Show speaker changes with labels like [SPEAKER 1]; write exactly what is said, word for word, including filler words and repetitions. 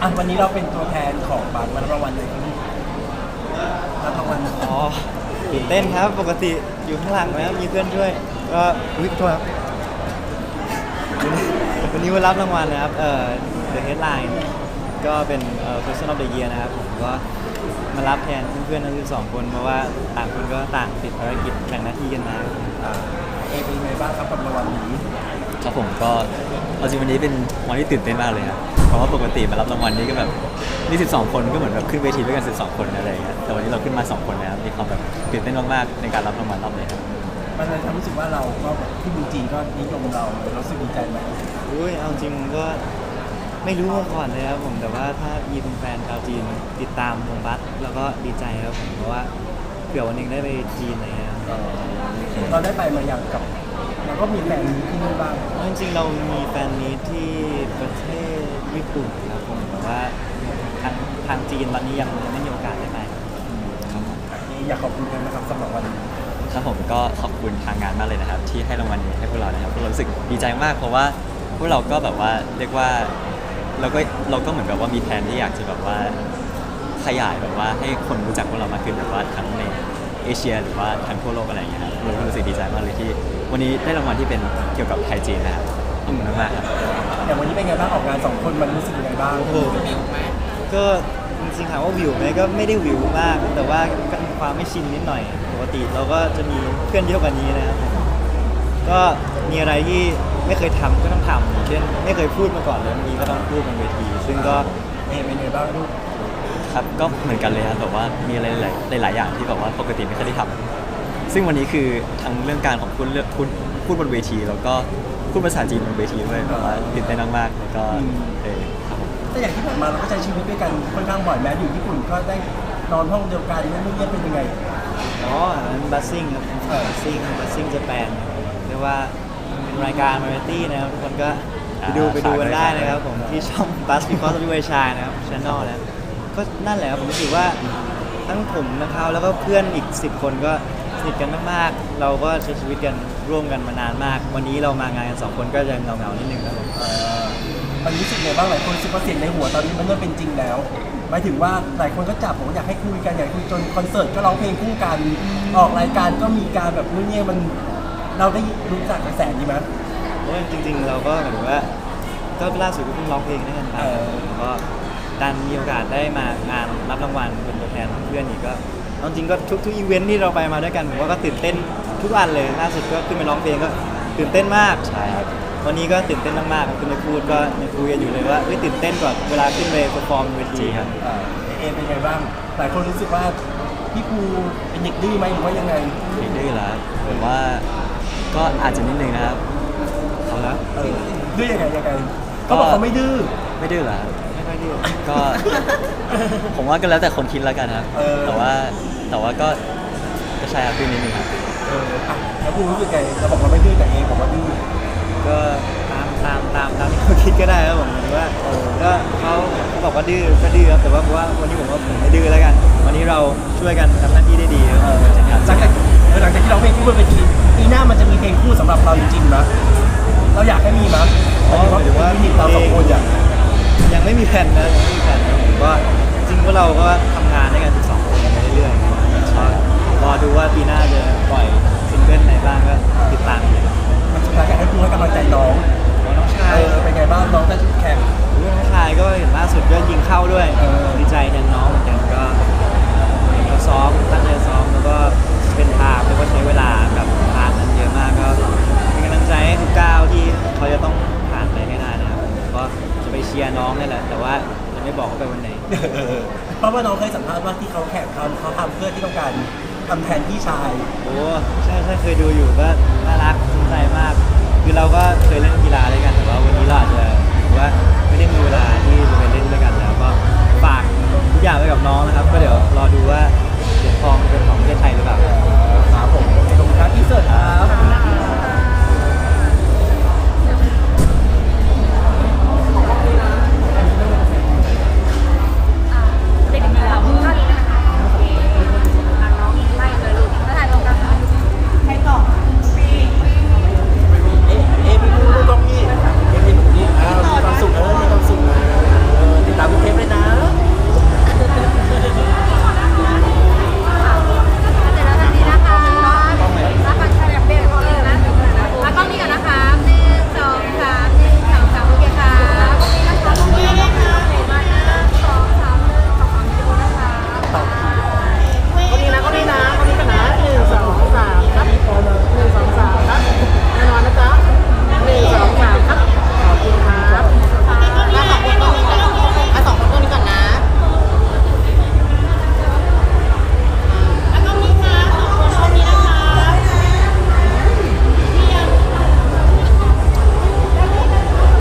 [SPEAKER 1] อ่ะวันนี้เราเป็นตัวแทนของบาสวันรางวัลเลยรับรางวัล
[SPEAKER 2] อ๋อตื่นเต้นครับปกติอยู่ข้างหลังนะครับมีเพื่อนช่วยก็อุ้ยโทษครับวันนี้วันรับรางวัลนะครับเอ่อ The Headline ก็เป็นเอ่อ Person of the Year นะครับผมก็มารับแทนเพื่อนๆทั้งสิบสองคนเพราะว่าต่างคนก็ต่างติดภารกิจแบ่งหน้าที่กันมา
[SPEAKER 1] อ่าเอเป็นยังไงบ้างครับกับรางวัลนี้
[SPEAKER 3] ครับผมก็เอาจริงวันนี้เป็นวันที่ตื่นเต้นมากเลยครับเพราะว่าปกติมารับรางวัลนี้ก็แบบนี่สิบสองคนก็เหมือนแบบขึ้นเวทีด้วยกันสิบสองคนอะไรอย่างเงี้ยแต่วันนี้เราขึ้นมาสองคนนะครับมีความแบบตื่นเต้นมากๆในการรับรางวัลรอบนี้ครับ
[SPEAKER 1] มันเลยทำให้รู้สึกว่าเราก็แบบที่บูจีก็นิยมเราเรารู้สึกดีใจไหม
[SPEAKER 2] อุ้ยเอาจริงก็ไม่รู้มาก่อนเลยครับผมแต่ว่าถ้ามีเป็นแฟนชาวจีนติดตามวงบัสแล้วก็ดีใจครับผมเพราะว่าเผื่อวันหนึงได้ไปจีนอะไรเงี้ยครับ
[SPEAKER 1] เอ่อเราได้ไปมาอย่างกับเราก็มีแฟนที่นู่นบ้าง
[SPEAKER 2] เพราะจริงๆเรามีแฟนมีตที่ประเทศญี่ปุ่นครับผมแต่ว่าทางทางจีนตอนนี้ยังยังไม่มีโอกาสได้ไป
[SPEAKER 3] ครับผม
[SPEAKER 1] อยากขอบคุณกันนะครับสำหรับวันนี้
[SPEAKER 3] ครับผมก็ขอบคุณทางงานมากเลยนะครับ ที่ให้รางวัลนี้ให้พวกเรานะครับพวกเรารู้สึกดีใจมากเพราะว่าพวกเราก็แบบว่าเรียกว่าเราก็เราก็เหมือนกับว่ามีแผนที่อยากจะแบบว่าขยายแบบว่าให้คนรู้จักพวกเรามากขึ้นแบบว่าทั้งในเอเชียหรือว่าทั้งทั่วโลกอะไรอย่างเงี้ยครับเราก็รู้สึกดีใจมากเลยที่วันนี้ได้รางวัลที่เป็นเกี่ยวกับไทยจีนนะครับขอบคุณมากๆครับ
[SPEAKER 1] อย่างวันนี้เป็นไงบ้างออกงานสองคนมันรู้สึกยังไงบ้าง
[SPEAKER 2] โอ้โหก็จริงๆถามว่าวิวไหมก็ไม่ได้วิวมาก แต่ว่าก็มีความไม่ชินนิดหน่อยปกติเราก็จะมีเพื่อนเยอะกว่านี้นะครับก็มีอะไรที่ไม่เคยทำก็ต้องทำอย่างเช่นไม่เคยพูดมาก่อนเลยวันนี้ก็ต้องพูดบนเวที ซึ่งก็
[SPEAKER 1] เอเป็นไงบ้างลูก
[SPEAKER 3] ครับก็เหมือนกันเลยครับแบบว่ามีอะไรหลายหลายๆอย่างที่แบบว่าปกติไม่เคยได้ทำซึ่งวันนี้คือทั้งเรื่องการของพูดเรื่องพูดพูดบนเวที แล้วก็พูดภาษาจีนบนเวทีด้วยแบบว่าตื่นเต้นมากๆแล้วก็เออครับผม
[SPEAKER 1] แต่อย่างที่ผ่านมาเราก็ใช้ชีวิตด้วยกันค่อนข้างบ่อยแม้อยู่ญี่ปุ่นก็ได้นอนห้องเดียวกันนั่นนี่เป็นยังไง
[SPEAKER 2] อ๋ออันนั้นบัสซิ่งครับบัสซิ่งบัสซิ่งจะแปลนเรียกว่าเป็นรายการวาไรตี้นะครับทุกคนก็ไปดูไปดูกันได้นะครับผมที่ช่อง Bus Because of You I Shine นะครับช anel นะก็นั่นแหละครับผมรู้สึกว่าทั้งผมนะครับแล้วก็เพื่อนอีกสิบคนก็สนิทกันมากๆเราก็ใช้ชีวิตกันร่วมกันมานานมาก วันนี้เรามางานกันสองคนก็ยังเหงาๆนิดนึงครับผม
[SPEAKER 1] เอ่อมันรู้สึกไงบ้างหลายคนรู้สึกว่าเสียงในหัวตอนนี้มันเริ่มเป็นจริงแล้วหมายถึงว่าหลายคนก็จับผมอยากให้คุยกันอยากคุยจนคอนเสิร์ตก็ร้องเพลงคู่กันออกรายการก็มีการแบบนู่นนี่มันเราได้รู้จักกระแสนี้ไหม
[SPEAKER 2] เพราะว่าจริงๆเราก็เหมือนว่าก็ล่าสุดก็เพิ่งร้องเพลงด้วยกันไป
[SPEAKER 1] เออ
[SPEAKER 2] แล้วก็ดันมีโอกาสได้มางานรับรางวัลเป็นตัวแทนเพื่อนอีกก็เอาจริงก็ทุกทุกอีเวนท์ที่เราไปมาด้วยกันผมว่าก็ตื่นเต้นทุกอันเลยล่าสุดก็ขึ้นไปร้องเพลงก็ตื่นเต้นมาก
[SPEAKER 3] ใช่ครับ
[SPEAKER 2] วันนี้ก็ตื่นเต้นมากๆครับคุณไปพูดก็ยังคุยกันอยู่เลยว่าเฮ้ยตื่นเต้นกว่าเวลาขึ้นไปเปอร์ฟอร์มเวทีครับ
[SPEAKER 1] เอ่อเอเป็นไงบ้างหลายคนรู้สึกว่าพี่ภูเป็นเด็กดื้อไหมหรือว่ายังไง
[SPEAKER 3] ไม่ดื้อแล้วผมว่าก็อาจจะนิดนึงนะครับ
[SPEAKER 2] เอาละ
[SPEAKER 1] เออดื้อยังไงยังไงเขาบอกเขาไม่ดื้อ
[SPEAKER 3] ไม่ดื้อแล้ว
[SPEAKER 2] ไม่ค่อยดี
[SPEAKER 3] ก็ ผมว่าก็แล้วแต่คนคิดแล้วกันครับ
[SPEAKER 1] เออ
[SPEAKER 3] แต่ว่าแต่ว่าก็ก็ใช่ครับดื้อนิดนึงครับ
[SPEAKER 1] เอออ่ะแล้วภูรู้สึกไงเราบอกเราไม่ดื้อแต่เอบอกว่าดื้อ
[SPEAKER 2] ก็ตามตามตามตามที่เขาคิดก็ได้ครับผมหรือว่าเออก็เขาเขาบอกว่าดื้อก็ดื้อครับแต่ว่าผมว่าวันนี้ผมว่าผมไม่ดื้อแล้วกัน วันนี้เราช่วยกันทำหน้าที่ได้ดีครับ
[SPEAKER 1] เออหลังจากหลังจากที่เราเพลงคู่บนเวทีปีหน้ามันจะมีเพลงคู่สำหรับเราจริงๆนะเราอยากให้มีมั้ย
[SPEAKER 2] อ๋อหมายถึงว่า
[SPEAKER 1] ทีมเราสองคนอยาก
[SPEAKER 2] ยังไม่มีแผนนะยังไม่มีแผนนะผมว่าจริงๆพวกเราก็ทำงานด้วยกันสองคนไปเรื่อยๆก็รอดูว่าปีหน้าจะปล่อยซิงเกิลไหนบ้างก็ติดตามกัน
[SPEAKER 1] มันสุดท้ายอยากให้ภูให้กำลังใจน้อง
[SPEAKER 2] น้องชา
[SPEAKER 1] เอย อเป็นไงบ้างน้องจะแข่ง
[SPEAKER 2] น้องชายก็เห็นล่าสุดก็ยิงเข้าด้วย
[SPEAKER 1] เออ
[SPEAKER 2] ดีใจแทนน้องเหมือนกันก็เห็นเขาซ้อมตั้งใจซ้อมแล้วก็เป็นทางแล้วก็ใช้เวลากับทางนั้นเยอะมากก็เป็นกำลังใจให้ทุกก้าวที่เขาจะต้องผ่านไปให้ได้นะครับผมก็จะไปเชียร์น้องนี่แหละแต่ว่ายังไม่บอกว่าไปวันไหน
[SPEAKER 1] เออเพราะว่าน้องเคยสัมภาษณ์ว่าที่เขาแข่งทำเขาทำเพื่อที่ต้องการทำแทนพี่ชาย
[SPEAKER 2] โอ้ใช่ใช่เคยดูอยู่ก็น่ารักสนใจมาก คือเราก็เคยเล่นกีฬาด้วยกันแต่ว่าวันนี้เราอาจจะ